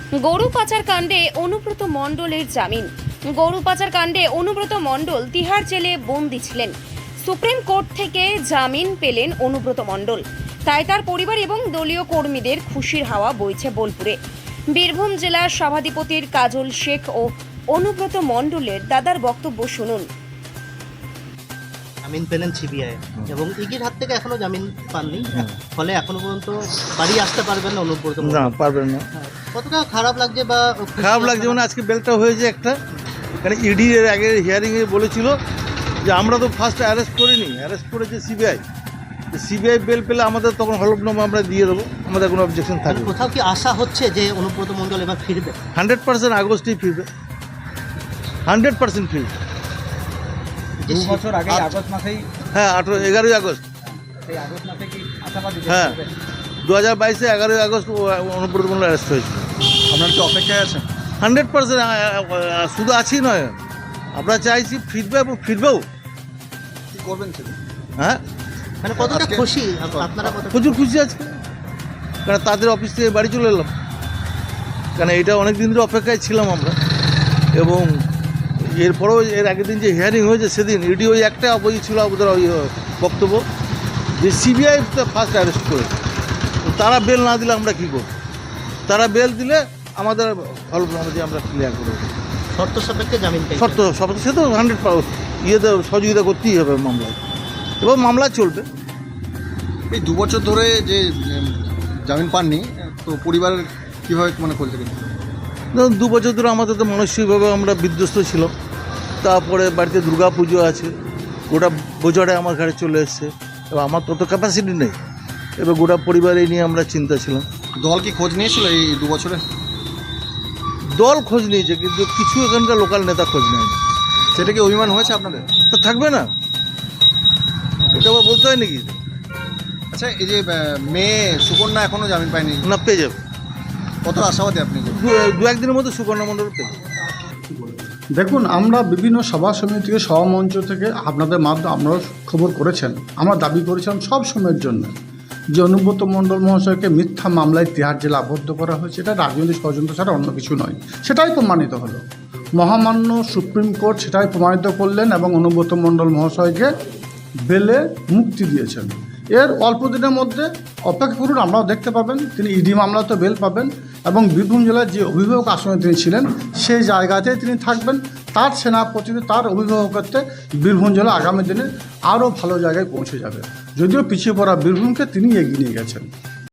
গরু পাচার কাণ্ডে অনুব্রত মণ্ডলের জামিন। গরু পাচার কাণ্ডে অনুব্রত মণ্ডল তিহার জেলে বন্দী ছিলেন। সুপ্রিম কোর্ট থেকে জামিন পেলেন অনুব্রত মণ্ডল। তাই তার পরিবার এবং দলীয় কর্মীদের খুশির হাওয়া বইছে বোলপুরে। বীরভূম জেলার সভাধিপতির কাজল শেখ ও অনুব্রত মণ্ডলের দাদার বক্তব্য শুনুন। জামিন পেলেন সিবিআই এবং ইগির হাত থেকে এখনো জামিন পাননি, ফলে এখনো পর্যন্ত বাড়ি আসতে পারবেন না অনুব্রত মণ্ডল। না, পারবেন না। কতটা খারাপ লাগছে বা খারাপ লাগছে মানে আজকে বেলটা হয়েছে একটা, কারণ ইডি এর আগে হিয়ারিংয়ে বলেছিল যে আমরা তো ফার্স্ট অ্যারেস্ট করিনি, অ্যারেস্ট করেছে সিবিআই। সিবিআই বেল পেলে আমাদের তখন হলফনামা আমরা দিয়ে দেবো, আমাদের কোনো অবজেকশন থাকবে। কোথাও কি আশা হচ্ছে যে অনুব্রত মণ্ডল এবার ফিরবে? 100% আগস্টেই ফিরবে, 100% ফিরবে। 2 বছর আগে আগস্ট মাসেই, হ্যাঁ, 11ই আগস্ট। সেই আগস্ট মাসে কি আশাবাদী? হ্যাঁ, 2022-এ 11ই আগস্ট অনুব্রত মণ্ডল অ্যারেস্ট হয়েছিল। আপনার কি অপেক্ষায় আছেন? 100% শুধু আছি নয়, আমরা চাইছি ফিরবে এবং ফিরবেও। কি করবেন সেটা? হ্যাঁ, মানে কতটা আজকে- খুশি আপনারা? প্রচুর খুশি আজকে, কারণ তাদের অফিস থেকে বাড়ি চলে এলাম, কারণ এটা অনেক দিন ধরে অপেক্ষায় ছিলাম আমরা। এবং এরপরেও এর আগের দিন যে হিয়ারিং হয়েছে সেদিন ইডি ওই একটা বই ছিল ওদের ওই বক্তব্য যে সিবিআই ফার্স্ট অ্যারেস্ট করেছে, তারা বেল না দিলে আমরা কী করব? তারা বেল দিলে আমাদের হলফনামা দিয়ে আমরা ক্লিয়ার করে দেবো। শর্ত সাপেক্ষে জামিন পেয়েছেন। শর্ত সে তো 100 ইয়েতে সহযোগিতা করতেই হবে মামলায়, এবং মামলা চলবে। এই 2 বছর ধরে যে জামিন পাননি, তো পরিবার কীভাবে মানে করছে? ধরুন 2 বছর ধরে আমাদের তো মানসিকভাবে আমরা বিধ্বস্ত ছিলাম। তারপরে বাড়িতে দুর্গা পুজো আছে, গোটা বোঝাটা আমার ঘাড়ে চলে এসছে, এবার আমার তত ক্যাপাসিটি নেই, এবার গোটা পরিবার এই নিয়ে আমরা চিন্তা ছিলাম। দল কি খোঁজ নিয়েছিল এই 2 বছরে? দল খোঁজ নিয়েছে, কিন্তু কিছু এখানকার লোকাল নেতা খোঁজ নেয়নি। সেটা কি অভিমান হয়েছে আপনাদের? তো থাকবে না, এটা আবার বলতে হয় নাকি? আচ্ছা, এই যে মেয়ে সুকন্যা এখনো জামিন পায়নি, না, পেয়ে যাবে, কত আশাবাদী আপনি? দু একদিনের মধ্যে সুকন্যা মণ্ডল পেয়ে যাবে। দেখুন, আমরা বিভিন্ন সভা সমিতি থেকে সভামঞ্চ থেকে আপনাদের মাধ্যমে আপনারা খবর করেছেন, আমরা দাবি করেছিলাম সব সময়ের জন্য যে অনুব্রত মণ্ডল মহাশয়কে মিথ্যা মামলায় তিহার জেলে আবদ্ধ করা হয়েছে, এটা রাজনৈতিক ষড়যন্ত্র ছাড়া অন্য কিছু নয়। সেটাই প্রমাণিত হলো, মহামান্য সুপ্রিম কোর্ট সেটাই প্রমাণিত করলেন এবং অনুব্রত মণ্ডল মহাশয়কে বেলে মুক্তি দিয়েছেন। এর অল্প দিনের মধ্যে অপেক্ষা করুন, আমরাও দেখতে পাবেন তিনি ইডি মামলাতে বেল পাবেন এবং বীরভূম জেলার যে অভিভাবক আসনে তিনি ছিলেন সেই জায়গাতেই তিনি থাকবেন। তার সেনাপতিতে তার অভিভাবকত্বে বীরভূম জেলা আগামী দিনে আরও ভালো জায়গায় পৌঁছে যাবে। যদিও পিছিয়ে পড়া বীরভূমকে তিনি এগিয়ে নিয়ে গেছেন।